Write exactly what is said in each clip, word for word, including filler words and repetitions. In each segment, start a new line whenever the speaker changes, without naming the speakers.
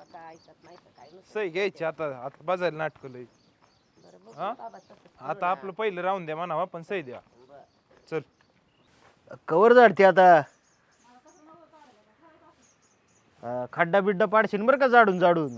बाबा ऐकत नाही तर काय नुसतं
सही घ्यायची आता आता बाजायला नाटक लय
बरं बघू
हा?
बाबा तसंच करू
आता
ना.
आपलं पहिलं राहून द्या म्हणावा पण सही द्या
बरं.
चल
कवर झाडते आता हा, खड्डा बिड्डा पाडशील बरं का जाडून जाडून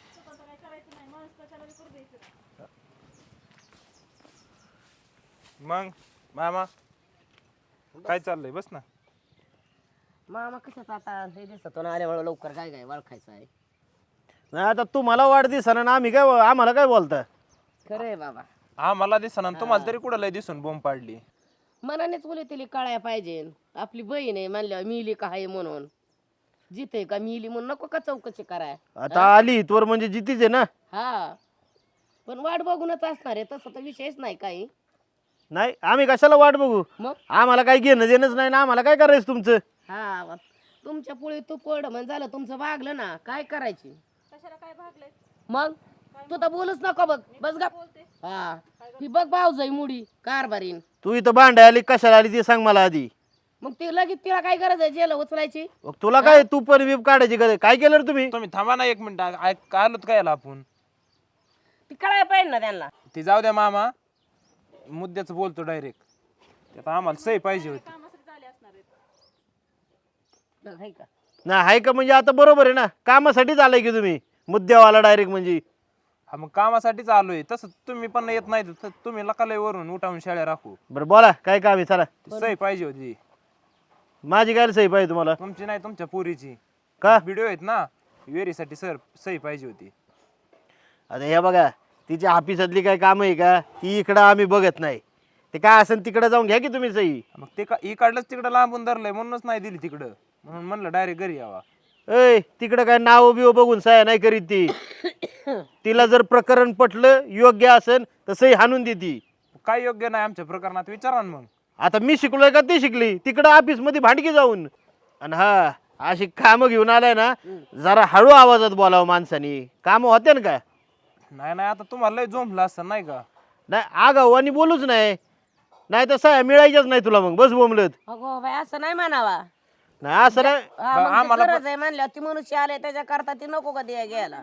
मग मामा काय चाललंय बस ना
मामा कशाच आता हे दिसतो ना आल्यामुळे लवकर काय काय ओळखायचं आहे
नाही आता तुम्हाला वाढदिवसानं ना आम्ही काय आम्हाला काय बोलता
खरं आहे बाबा
हा मला दिसना तुम्हाला तरी कुठं लय दिसून बोंब पाडली
मनानेच बोले तिला कळाया पाहिजे आपली बहीण आहे म्हणल्यावर मिली का आहे म्हणून जिथे का मिली म्हणून नको का चौकशी कराय
आता आली इथवर म्हणजे जितीच आहे ना
हा पण वाट बघूनच असणार आहे तसं तर विषयच नाही काही
नाही आम्ही कशाला वाट बघू
मग
आम्हाला काही घेणं देणंच नाही ना आम्हाला काय करायचं तुमचं
हा वा. तुमच्या पुढे तू पड म्हणजे झालं तुमचं भागलं ना काय करायची मग तू तर बोलूच नको बघ बस गा हा ही बघ भाऊजाई मुडी कारभारीन
तू इथं भांडाय आली कशाला आली ते सांग मला आधी
मग ते लगेच तिला काय गरज आहे जेल उचलायची
मग तुला काय तू पण बीप काढायची गरज काय केलं रे तुम्ही
तुम्ही थांबा ना एक मिनिट ऐक आलोत काय याला आपण
ती कळायला पाहिजे ना त्यांना
ती जाऊ द्या मामा मुद्द्याच बोलतो डायरेक्ट त्यात आम्हाला सही पाहिजे होती
बघ, हाय का
ना हाय का म्हणजे आता बरोबर आहे ना कामासाठीच आलाय की तुम्ही मुद्द्यावाला डायरेक्ट म्हणजे
हा मग कामासाठीच आलोय तसं तुम्ही पण येत नाही तर तुम्ही लकालय वरून उठावून शाळा राखू
बरं बोला काय काम आहे चला
ती सही पाहिजे होती
माझी काय सही पाहिजे तुम्हाला
तुमची नाही तुमच्या पोरीची
का
व्हिडिओ आहेत ना वेरीसाठी सर सही पाहिजे होती
आता हे बघा तिच्या ऑफिसातली काय काम आहे का ती इकडं आम्ही बघत नाही ते काय असेल तिकडे जाऊन घ्या की तुम्ही सही
मग ते का इकडलंच तिकडं लांबून धरलंय म्हणूनच नाही दिली तिकडं म्हणून म्हणलं डायरेक्ट घरी यावा
ऐ तिकडं काय नाव बिव बघून सह्या नाही करीत ती तिला जर प्रकरण पटलं योग्य असेल तर सही हाणून देती
काय योग्य नाही आमच्या प्रकरणात विचारा ना मग
आता मी शिकलोय का ती शिकली तिकडं ऑफिस मध्ये भांडकी जाऊन आणि हा अशी कामं घेऊन आलाय ना जरा हळू आवाजात बोलावं माणसानी कामं होते ना का
नाही नाही आता तुम्हाला लय जोमलं असं नाही का
नाही आगाऊ आणि बोलूच नाही नाही तर सह्या मिळायच्याच नाही तुला मग बस बोंबलत
अगो बाई असं नाही म्हणावा
नाही असं नाही
हा, मग ते
आम्हाला
गरज आहे म्हणल्यावर ती मनुष्य आले त्याच्या करता ती नको का द्या घ्यायला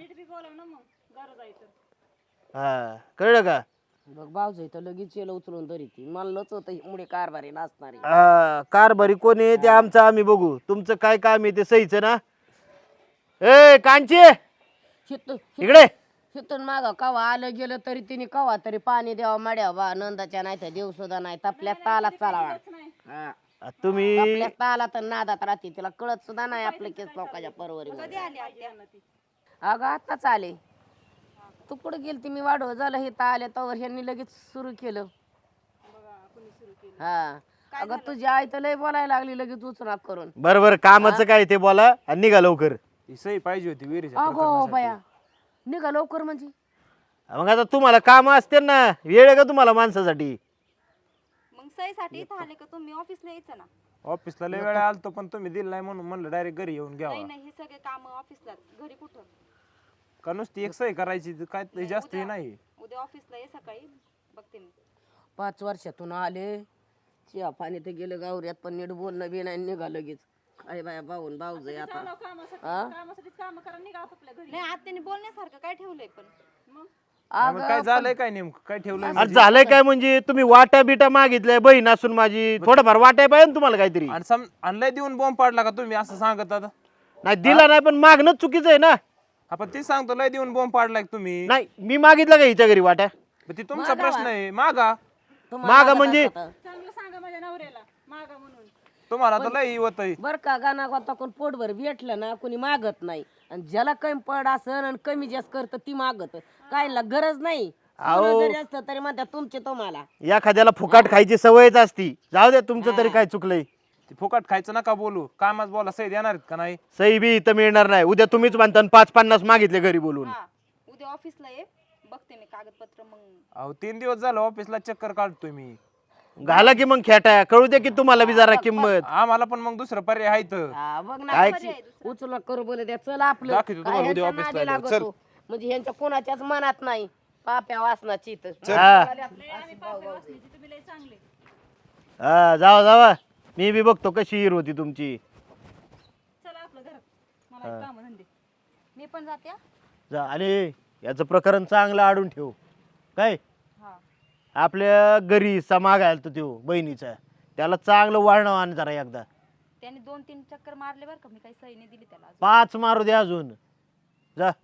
हा कळलं का
बघ भाऊजाई तर लगेच येलं उचलून तरी ती मला लच होतं मुळे कारभारी नसणारी
हा, कारभारी कोण आहे ते आमचं आम्ही बघू तुमचं काय काम आहे ते सहीच ना ए कांची
हित-
इकडे
हिथून माग कवा आलं गेलं तरी तिने कवा तरी पाणी द्यावा मड्या बा नंदाच्या नाही तर देव सुद्धा नाही तपल्या तालात चालावा हा.
आ, तुम्ही
आपल्या तालात आणि नादात राहते तिला कळत सुद्धा नाही आपल्या केस लोकांच्या परवरी अगं आताच आले तू कुठं गेलती मी वाढव झालं हे तर आले तर ह्यांनी लगेच सुरू केलं हा अगं तुझी आई तर लय बोलायला लागली लगेच उचना करून
बरं बरं कामाचं काय ते बोला आणि निघा लवकर
ती सही पाहिजे होती वेरीच्या
अगो
प्रकरणासाठी.
बया निघा लवकर म्हणजे
मग आता तुम्हाला काम असते ना वेळ आहे का तुम्हाला माणसासाठी
मग सहीसाठी इथं आले का तुम्ही ऑफिसला यायचं ना
ऑफिसला लय वेळा आलतो पण तुम्ही दिलं नाही म्हणून म्हणलं डायरेक्ट घरी येऊन घ्यावा
नाही नाही हे सगळे काम ऑफिसला घरी कुठं
का नुसती एक सही करायची तर काय ते जास्त हे नाही
उद्या ऑफिसला ये सकाळी बघते मी
पाच वर्षातून आले चिया पाणी तर गेलं गावऱ्यात पण नीट बोलणं बी नाही निघा लगेच काय बाया भाऊन भाऊज आता हा?
नाही आत्याने बोलण्यासारखं काय ठेवलंय पण मग
नाही, मग काय झालंय काय नेमकं काय ठेवलंय
आणि
म्हणजे?
झालंय काय म्हणजे तुम्ही वाट्या बिटा मागितल्या बहीण असून माझी थोडंफार वाटाय पाहिजे ना तुम्हाला काहीतरी
आणि सम आणि लय देऊन बॉम्ब पाडला का तुम्ही असं सांगत आता
नाही दिला नाही पण मागणं चुकीचं आहे ना
आपण ते सांगतो लय देऊन बॉम्ब पाडलाय का तुम्ही
नाही मी मागितलं का हिच्या घरी वाट्या
मग ते तुमचा प्रश्न आहे मागा
तुम्हाला
मागं
लागत
म्हणजे-
असतं
तुम्हाला तर लय होत
बर का गाणा गोता कोण पोटभर भेटलं ना कोणी मागत नाही आणि ज्याला कमी पड असन आणि कमी जास्त करत ती मागत कायला गरज नाही सोनं जरी असतं तरी म्हणतात तुमचे तुम्हाला
एखाद्याला फुकाट खायची सवयच असती जाऊ द्या तुमचं तरी काय चुकलंय
ते फुकट खायचं नका बोलू कामाच बोला सही देणार आहेत का नाही
सही बी इथं मिळणार नाही उद्या तुम्हीच म्हणता आणि पाच पन्नास मागितले घरी बोलून
हा उद्या ऑफिसला ये बघते मी कागदपत्र मग
अहो तीन दिवस झालं ऑफिसला चक्कर काढतोय मी
घाला की मग खेटा कळू द्या की तुम्हाला बी जरा किंमत
आम्हाला पण मग दुसरं पर्याय आहे तर
हा, बघ ना
काय
उचलून करू बोल द्या चल आपलं
दाखवतो
काय
तुम्हाला उद्या
ह्यांच्या
ऑफिसला
नादी
आल्यावर.
लागतो. म्हणजे ह्यांच्या कोणाच्याच मनात नाही पाप्या वासनाची तर
हा हा जावा जावा मी बी बघतो कशी हिर होती तुमची
मी पण जाते हा.
जा आणि याचं प्रकरण चांगलं आडून ठेव काय
हा
आपल्या घरी समाग आला तो त्यो बहिणीचा त्याला चांगलं वाढणं आण जरा एकदा
त्याने दोन तीन चक्कर मारले बरं का मी काही सही नाही दिली त्याला अजून.
पाच मारू दे अजून जा